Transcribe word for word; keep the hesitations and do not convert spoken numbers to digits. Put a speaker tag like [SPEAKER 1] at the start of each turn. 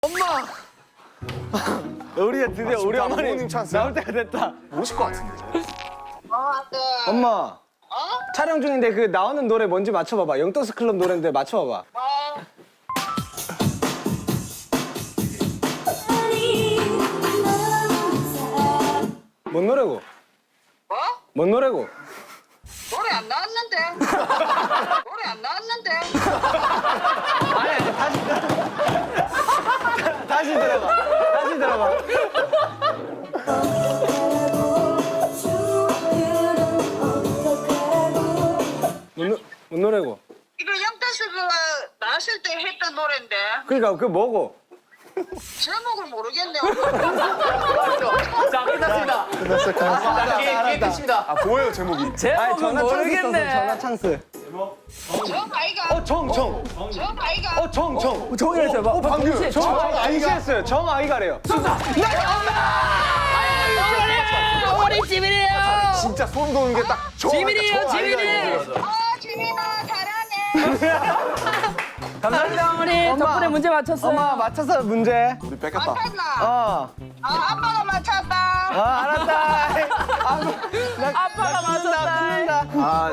[SPEAKER 1] 엄마! 우리가 드디어 우리
[SPEAKER 2] 진짜
[SPEAKER 1] 어머니
[SPEAKER 2] 부모님 찬스.
[SPEAKER 1] 나올 때가 됐다.
[SPEAKER 2] 모실 것 같은데.
[SPEAKER 3] 어, 아들.
[SPEAKER 1] 엄마,
[SPEAKER 3] 어?
[SPEAKER 1] 촬영 중인데 그 나오는 노래 뭔지 맞춰봐봐. 영떡스 클럽 노래인데 맞춰봐봐.
[SPEAKER 3] 어?
[SPEAKER 1] 뭔 노래고?
[SPEAKER 3] 뭐?
[SPEAKER 1] 뭔 노래고?
[SPEAKER 3] 노래 안 나왔는데. 노래 안 나왔는데.
[SPEAKER 1] 아니, 아니, 다시, 다시 들어봐. 다시 들어봐. 뭔, 노, 뭔 노래고?
[SPEAKER 3] 이거 영탁스가 나왔을 때 했던 노래인데
[SPEAKER 1] 그니까 그 뭐고?
[SPEAKER 3] 제목을 모르겠네.
[SPEAKER 4] 자, 끝났습니다.
[SPEAKER 2] 끝났어, 끝났어.
[SPEAKER 4] 아, 게임, 게임 끝입니다.
[SPEAKER 2] 아, 뭐예요, 제목이?
[SPEAKER 1] 아니,
[SPEAKER 4] 제목은
[SPEAKER 1] 전화 찬스 있어서
[SPEAKER 4] 모르겠네.
[SPEAKER 1] 전화 찬스.
[SPEAKER 3] 정 아이가.
[SPEAKER 1] 어, 정, 정.
[SPEAKER 3] 정 아이가.
[SPEAKER 1] 어, 정, 정.
[SPEAKER 4] 정이라 해봐. 어,
[SPEAKER 2] 방금.
[SPEAKER 4] 동시에
[SPEAKER 1] 정,
[SPEAKER 4] 정.
[SPEAKER 1] 아이가. 동시했어요. 정, 아이가래요.
[SPEAKER 4] 어머니 찜이래요.
[SPEAKER 2] 진짜 소름 돋는 게 딱 저.
[SPEAKER 4] 지민이에요, 지민이.
[SPEAKER 3] 어, 지민아 잘하네.
[SPEAKER 4] 감사합니다, 어머니. 덕분에 문제 맞췄어요.
[SPEAKER 1] 엄마, 맞춰서 문제.
[SPEAKER 2] 우리 뺏겼다.
[SPEAKER 3] 맞췄나?
[SPEAKER 1] 어.
[SPEAKER 3] 아, 아빠가 맞췄다.
[SPEAKER 1] 아, 알았다. 아, 나,
[SPEAKER 4] 아빠가 맞췄다.
[SPEAKER 1] 끊는다. 아,